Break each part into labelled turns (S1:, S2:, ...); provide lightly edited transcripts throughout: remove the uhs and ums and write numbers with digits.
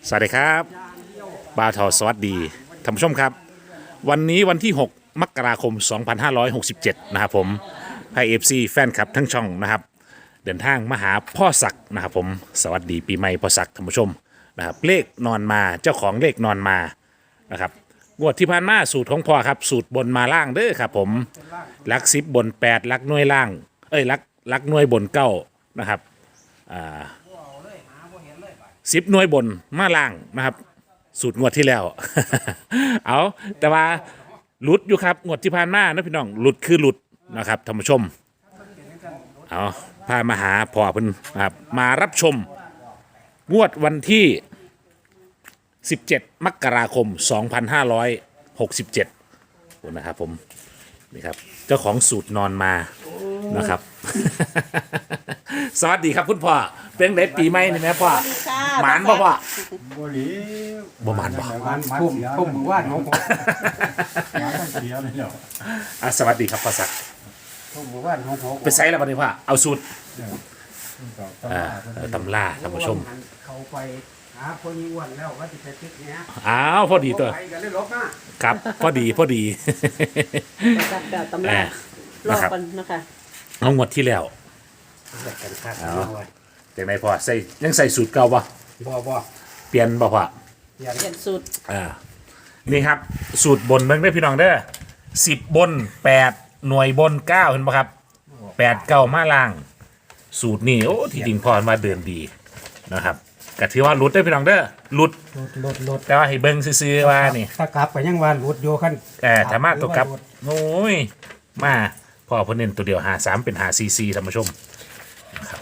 S1: สวัสดีครับบาวทอสวัสดีท่านผู้ชมครับวันนี้วันที่ 6 มกราคม 2567 นะครับผมไพเอฟซีแฟนคลับทั้งช่องนะครับเดินทางมาหาพ่อศักดิ์นะครับผมสวัสดีปีใหม่พ่อศักดิ์ท่านผู้ชมนะครับเลขนอนมาเจ้าของเลขนอนมานะครับงวดที่ผ่านมาสูตรของพ่อครับสูตรบนมาล่างเด้อครับผมลัก10บน8ลักหน่วยล่างลักหน่วยบนเก้านะครับ10หน่วยบนมาล่างนะครับสูตรงวดที่แล้ว เอาแต่ว่าหลุดอยู่ครับงวดที่ผ่านมานะพี่น้องหลุดคือหลุดนะครับท่านผู้ชมเอาพามาหาพ่อเพิ่นนะครับมารับชมงวดวันที่17มกราคม2567นะครับผมนี่ครับเจ้าของสูตรนอนมานะครับ สวัสดีครับคุณพ่อเป็นไงปีใหม่นี่แม่พ่อหมานบ่พ่อ
S2: บ่หลี
S1: บ่หมานบ่
S2: มันพุ่มมือว่านของผมมันเสียเลยเนาะ
S1: สวัสดีครับพ่อศักดิ์
S2: พุ่มมือว่านของผม
S1: ไปไซส์แล้วบัดนี้พ่อเอาสูตรตำล่าท่านผู้ชม
S2: เขาไปหาคนอ้วนแล้วว่าจะไปติดเนี้ย
S1: อ้าวพอดีตัวครับพอดี
S3: จับแบบตำรารอกันนะคะ
S1: เอางวดที่แล้วเอาจากไหนพ่อใส่ยังใส่สูตรเก่าป่ะ
S2: บ่
S1: เปลี่ยนป่ะพ่อ
S3: เปลี่ยนสูตร
S1: นี่ครับสูตรบนเบิ่งได้พี่น้องเด้อ10บน8หน่วยบน9เห็นป่ะครับ8 9มาล่างสูตรนี่โอ้ที่จริงพ่อมาเดินดีนะครับก็ถือว่าหลุดได้พี่น้องเด้อหลุดแต่ว่าให้เบิ่งซื่อๆว่านี่
S2: ถ้ากลับไปยังวันหลุดโยคัน
S1: ถ้ามาตัวกลับโอ้ยมาพ่อเพิ่นเน้นตัวเดียว53เป็น5 4ท่านผู้ชมครับ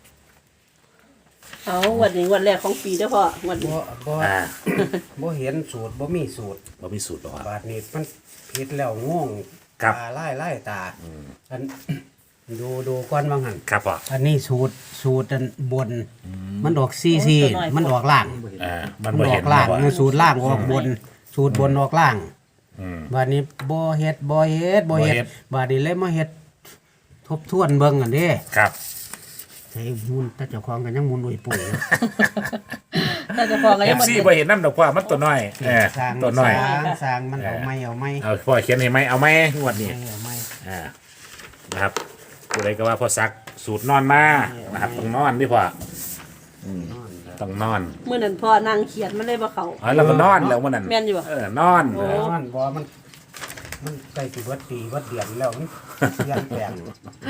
S3: เอาวันแรกของปีเด้อพ่อวันนี้
S2: บ่เห็นสูตรบ่มีสูตร
S1: หรอก
S2: บาดนี้มันผิดแล้วง่วงตาไล่ตาอันดูก่อนว่าหั่น
S1: ครับพ่อ
S2: อันนี้สูตรอันบนมันออกซีมันออกล่าง
S1: มันบ่เห็น
S2: ล่างสูตรล่างออกบนสูตรบนออกล่างบาดนี้บ่เฮ็ดบาดนี้เลยมาเฮ็ดทบทวนเบิ่งอันเด้
S1: ครับ
S2: ใส่มุนถ้าเจ้าของกันยังมุนอุ้ยปุ๋ย
S3: ถ้าเจ้าของก็ยัง
S1: FC บ่เห็นนำดอกพ่อมันตัวน้อยตัวน้อย
S2: สร้างมันเอาไม้
S1: เอาพ่อเขียนให้ไหมเอาไหมงวดนี้นะครับผู้ใดก็ว่าพ่อซักสูตรนอนมานะครับต้องนอนดิพ่อต้องนอน
S3: เมื่อนั้นพ่อนั่งเขียนมันเลยบ่เข้า
S1: แล้วก็นอนแล้วมื้อนั้น
S3: แม่นอยู่บ่
S1: นอน
S2: บ่มันใกล้สิเบิดปีเบิดเดือนแล้วมันเปลี่ยนแปลง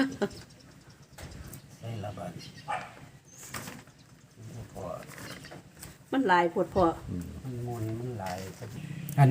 S2: ได้ละบัด
S3: มันหลายปวดพ่อ
S2: มันหลายอัน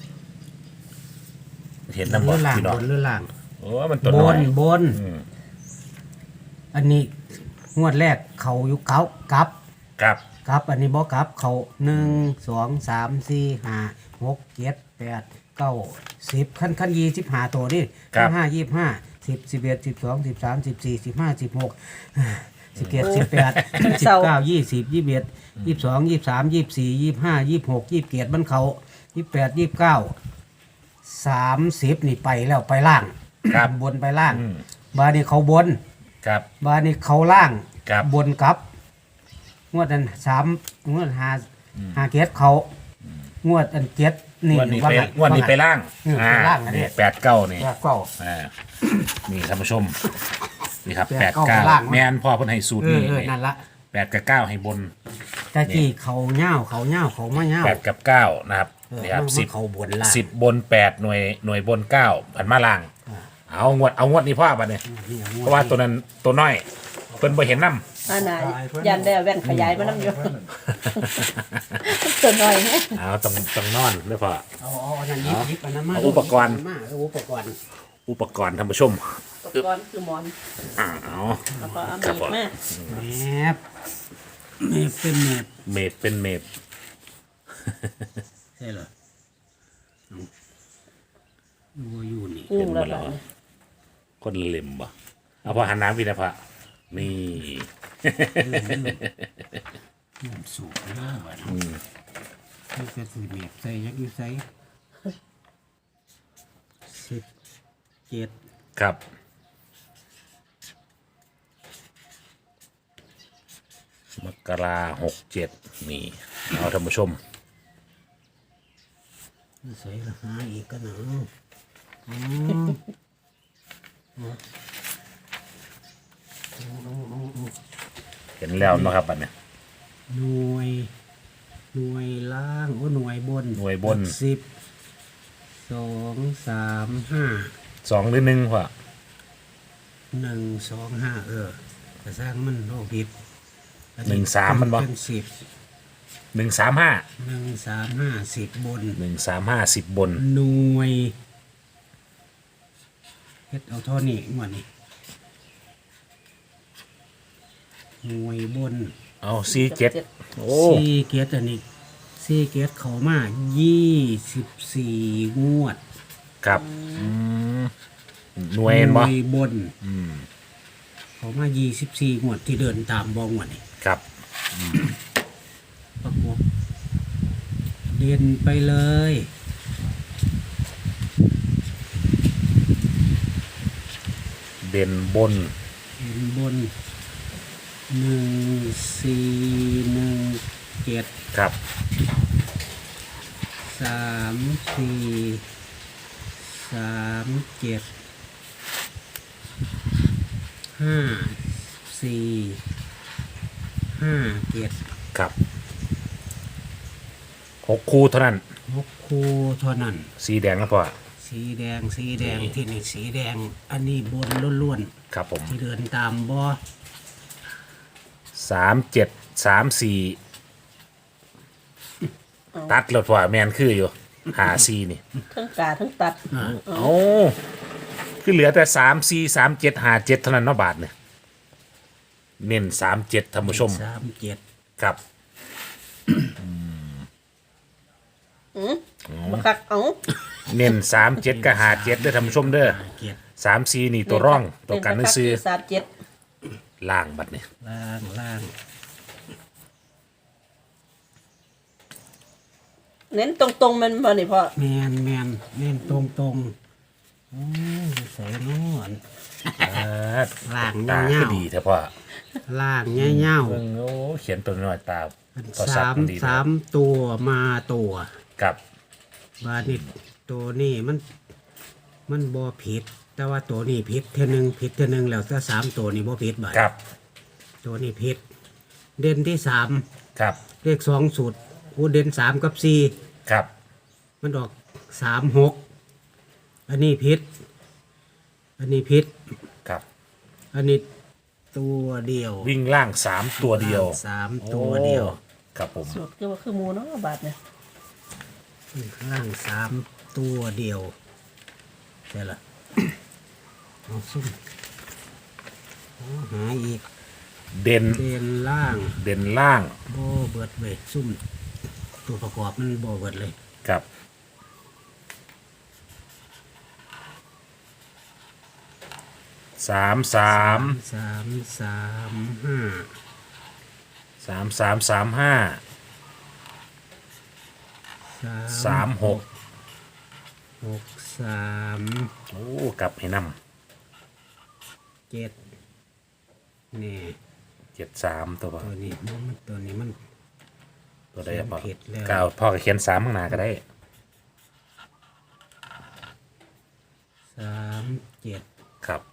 S1: เห็นน้ำบ่พี่น้อง
S2: หรือล่าง
S1: โอ้มันตัวน้อย
S2: บนอันนี้งวดแรกเขาอยู่กับอันนี้บ่กับเขา1 2 3 4 5 6 7 8 9 10ขั้น25ตัวดิ5 25 10 11 12 13 14 15 16 17 18 19 20 21 22 23 24 25 26 27มันเขา28 29 30นี่ไปแล้วไปล่างบนไปล่างบานี้เขาบนบานี้เขาล่างบนกับงวดอัน3งวด5เกตเขางวดอัน7นี่
S1: งวดนี้ไปล่างนี่8 9นี่นี่ท่านผู้ชมนี่ครับ8 9แม่นพ่อเพิ่นให้สูตรนี่
S2: นั่นละ
S1: 8กับ9ให้บน
S2: แต่ที่เขาเหย้าเขามาเหย้า
S1: 8กับ9นะครับนี่ครับ10บน8หน่วยบน9ผันมาล่างเอางวดนี้พ่อบัดนี้เพราะว่าตัวนั้นตัวน้อยเพิ่นบ่เห็นนำ
S3: น่ะยันได้แว่นขยายมานำอยู่ตัวน้อย
S1: เอาต้องนอนเด้อพ่อ
S2: อันนั้นยิบอันนั้นมา
S1: อุปกรณ์ท่านผู้ชม
S3: อุปกรณ์คือหมอน
S1: เอา
S3: แล้วก็เอามีดมา
S2: เมฟ
S1: เป็นเมฟ
S2: ใช่เหรออยู่นี่
S1: เป็นหมดแล้วคนเล็มบ่เอาพอหันน้ำพี่นะพ่อนี่
S2: สูบเรื่องแบบนี่จะสูบเมฟใส่ยักษ์อยู่ใส่17
S1: ครับมกรา67นี่เอาท่านผู้ชม
S2: ใส่ละหาอีกก็หนังอืม
S1: เห็นแล้วเนาะครับบัดเนี่ย
S2: หน่วยหน่วยล่างโอ้หน่วยบน
S1: หน่วยบน
S2: 10 2 3 5
S1: 2หรือ1พ่อ
S2: 1 2 5กระสร้างมันโรคผิด
S1: 1 3มันบ่
S2: เป็น10
S1: 1 3 5
S2: 1 3 5 10บน
S1: 1 3 5 10บน
S2: หน่วยเฮ็ดเอาเท่านี้งวดนี้หน่วยบน
S1: เอา47โอ้
S2: สี่เกียรติอันนี้สี่เกียรติเขามา24งวด
S1: ครับหน่วยเห็นบ่
S2: หน่วยบนเขามา24งวดที่เดินตามบองวดนี่
S1: ครับ
S2: ประกบเด่นไปเลย
S1: เด่นบน
S2: เด่นบน1417
S1: ครับ
S2: 3437
S1: ครับ6คู่เท่านั้น
S2: 6คู่เท่านั้น
S1: สีแดงนะพ่อ
S2: สีแดงที่นี่สีแดง อันนี้บนล้วน
S1: ครับผม
S2: ๆที่เดินตามบ่
S1: 37 34ตัดแล้วพ่อแมนคืออยู่54นี่
S3: ทั้งกาทั้งตัด
S1: โอ้คือเหลือแต่34 37 57เท่านั้นเนาะบาทเนี่ยเน้น37ท่านผู้ชม
S2: 37
S1: ครับ
S3: บักคักเอา
S1: เน้น37กับ57เด้อท่านผู้ชมเด้อ34นี่ตัวร่องตัวกันซื้อ
S3: 37
S1: ล่างบัดนี่
S2: ล่าง
S3: เน้นตรงๆมันบ่นี่พ่อ
S2: แมนเน้นตรงโอ้ใส่นอน ล่าง
S1: ตา
S2: เงา
S1: ก็ดีแท้พ่อ
S2: ล่างเงี้ยว
S1: เบิ่งโอ้เขียนตัวน้อยตาพอ
S2: ๆ
S1: สับมันดีนะ
S2: สามตัวมาตัว
S1: กับ
S2: บาดิตตัวนี้มันบ่ผิด แต่ว่าตัวนี้ผิดเท่านึงแล้วถ้า3ตัวนี้บ่ผิดบาด
S1: กับ
S2: ตัวนี้ผิด เด่นที่3
S1: ครับ
S2: เลข2สูตรอู้เด่น3กับ4
S1: ครับ
S2: มันออก36อันนี้ผิด อันนี้ผิด
S1: ครับ
S2: อันนี้ตัวเดียว
S1: วิ่งล่าง3ตัวเดียว
S2: 3ตัวเดียว
S1: โอ้ครับผม
S3: สูตรคือว่าคือหมูเนาะบาทเนี่ย
S2: ล่าง3ตัวเดียวใช่ละ เอาซุ่มเอาหาอีก
S1: เด่น
S2: เด่นล่าง
S1: เด่นล่าง
S2: โบเบิดเวทซุ่ม ตัวประกอบมันโบเบิดเลย
S1: กับ3 3
S2: 3
S1: 3 3 3 5 3 6
S2: 6 3
S1: โอ้กลับให้น
S2: 7นี่
S1: ำ73ตัวพ่อ
S2: ตัวนี้มัน
S1: ตัวใดอะพ่อ
S2: เขียนผิดแล้ว
S1: ก้าวพ่อก็เขียน3ข้างหน้าก็ได้
S2: 37
S1: ครับ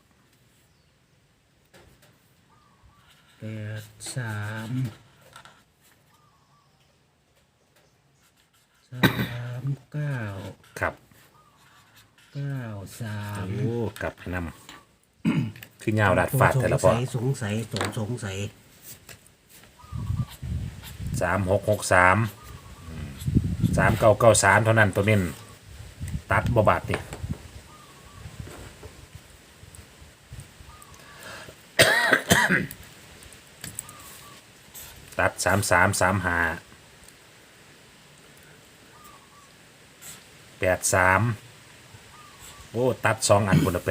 S2: 9
S1: ครับ
S2: 3
S1: โอ้กลับให้นำคือเงาวดัดฟาดแต่ละพอ
S2: สงสัยสงสัย
S1: 3663 3993เท่านั้นตัวเน้นตัดบ่บาดนี่ ตัด3335 83โอ้ตัด2อันคนละ83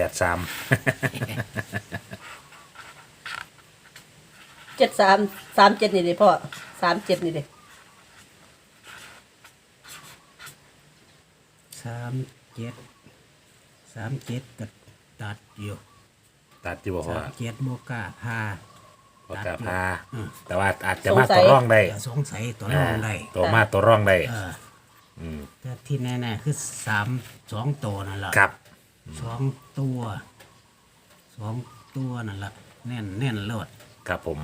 S3: 73 37นี่เด้พ่อ37นี่เด้
S2: 37ก็ตัดอยู่
S1: ตัดอยู่บ่พ่อ
S2: 37โมกล้าพา
S1: ว่ากะพาแต่ว่าอาจจะมาตัวร่องได้
S2: อย่าสงสัยตัวน้องได้
S1: ตัวมาตัวร่องได้
S2: แต่ที่แน่ๆคือ2 ตัวนั่นแหละ
S1: ครับ
S2: 2 ตัวนั่นแหละแน่นเลิศ
S1: ครับผม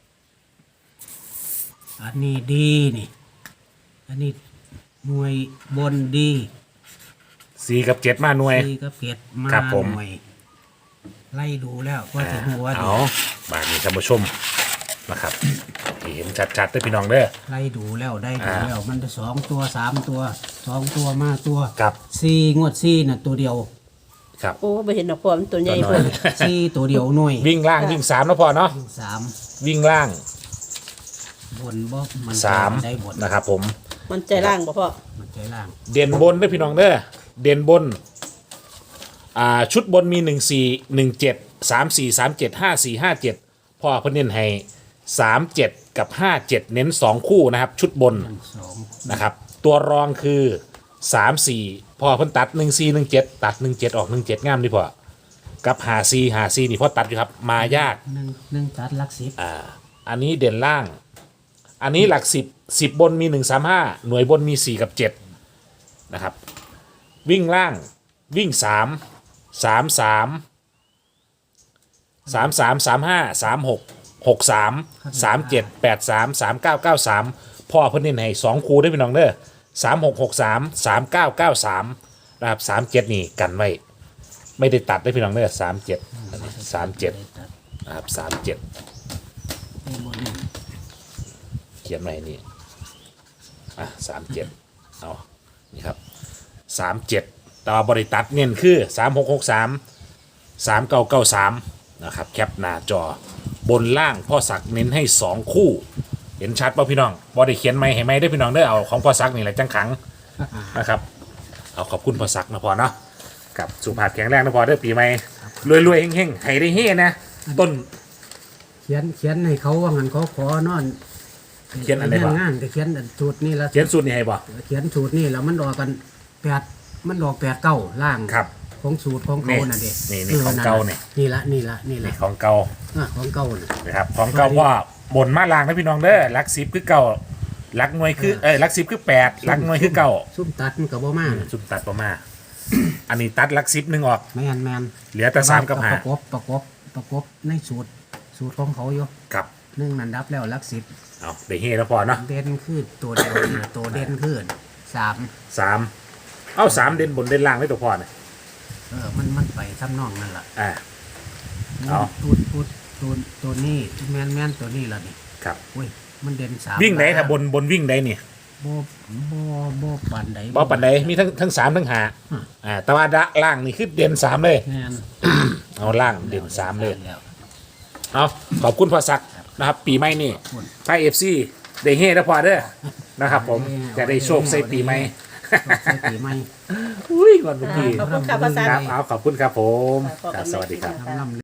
S2: อันนี้ดีนี่ อันนี้หน่วยบนดี
S1: 4 กับ 7 มาหน่วย
S2: ดีก็เก็ดมา
S1: ครับผม
S2: หน่วยไล่ดูแล้วว่าถึงหัวดี
S1: เอาบาทนี้ท่านผู้ชมนะครับให้เห็นชัดๆได้อพี่น้องเด้อ
S2: ไล่ดูแล้วได้ดูแล้ว มันจะ2 ตัว 3 ตัว 2 ตัวมาตัว
S1: ครับ
S2: 4 งวด 4น่ะตัวเดียว
S1: ครับ
S3: โอ้ไปเห็นดอกพอมันตัวใหญ่เพิ่น
S2: 4 ตัวเดียวหน่วย
S1: วิ่งล่างวิ่ง3แล้วพอเนาะ
S2: 3
S1: วิ่งล่าง
S2: บนบ่มัน
S1: 3
S2: ได้บน
S1: นะครับผม
S3: มันใจล่างบ่พ่อ
S2: มันใจล่าง
S1: เด่นบนด้วยพี่น้องเด้อเด่นบนชุดบนมี14 17 34 37 54 57พ่อเพิ่นเน้นให้37กับ57เน้น2คู่นะครับชุดบน
S2: 2
S1: นะครับตัวรองคือ34พ่อเพิ่นตัด14 17ตัด17ออก17งามดีพ่อกับ54นี่พ่อตัดอยู่ครับมายาก
S2: 1ตัดหลัก10
S1: อันนี้เด่นล่าง อันนี้หลัก10บนมี135หน่วยบนมี4กับ7นะครับวิ่งล่างวิ่งพ่อเพิ่นเน้นให้2คู่ได้อพี่น้องเด้อ3663 3993นะครับ37นี่กันไว้ไม่ได้ตัดได้อพี่น้องเด้อ37นะครับ37เขียนไว้นี่37เอานี่ครับ37แต่ว่าบริตัดเน้นคือ3663 3993นะครับแคปหน้าจอบนล่างพ่อศักดิ์เน้นให้2คู่เห็นชัดป่ะพี่น้องบอได้เขียนไม่ให้ไม่ได้พี่น้องได้อเอาของพ่อศักดิ์นี่แหละจังขังนะครับเอาขอบคุณพ่อศักดิ์นะพอเนาะกับสุขภาพแข็งแรงนะพอเด้อปีใหม่รวยๆเฮงๆให้ได้เฮนะต้น
S2: เขียนให้เขาว่างั้นเขาขอนอน
S1: เขียนอันไหน
S2: เรื่
S1: บ่
S2: งานก็เขียนสูตรนี่ละ
S1: เขียนสูตรนี่ให้บ่
S2: เขียนสูตรนี่แล้วมันออกกันมันออก8 9ล่าง
S1: ครับ
S2: ของสูตรของเขาน่ะเด็
S1: นี่ของเก่านี่
S2: นี่ละ
S1: นี่ของเก่า
S2: ของเก่าน่ะ
S1: นะครับของเก่าพ่อบนมาลางนะพี่น้องเด้อหลัก10คือเก่าหลักหน่วยคือหลัก10คือ8หลักหน่วยคือเก่า
S2: ซุ่มตัดมันก็บ่มาน่ะ
S1: ซุ่มตัดประมาอันนี้ตัดหลัก10นึงออก
S2: แม่น
S1: เหลือแต่3กับ
S2: ประกบในสูตรของเขาอยู่
S1: 5กับ
S2: 1นั่นดับแล้วหลัก
S1: เอาได้เฮแล้วพอเนาะ
S2: 10เด่นคือตัวเดียวนี่ตัวเด่นคือ3
S1: 3เอา3เด่นบนเด่นล่างได้ตัวพอเนี่ย
S2: มันไปทำนองนั่นล่ะ
S1: เอา
S2: ตัวนี้แม่นตัวนี้ล่ะนี่
S1: ครับ
S2: อุ้ยมันเด่น3
S1: วิ่งไหนถ้าบนวิ่งไหนนี่
S2: บ่ปานใด
S1: บ่ปันใดมีทั้ง3ทั้ง5แต่ว่าล่างนี่คือเด่น3เลย
S2: แม่น
S1: เอาล่างเด่น3เลยเอาขอบคุณพ่อศักดิ์นะครับปีใหม่นี่ไพ่ FC ได้เฮแล้วพอเด้อนะครับผมจะได้โชคใส่ปีใหม่
S2: ใส่ปีใหม่
S1: อุ้ยวันเมื่อกี้
S3: ขอบคุณค่ะภาษา
S1: ครับเอาขอบคุณครับผม
S3: ขอบคุณ
S1: ครับสวัสดีครับ
S2: ลำ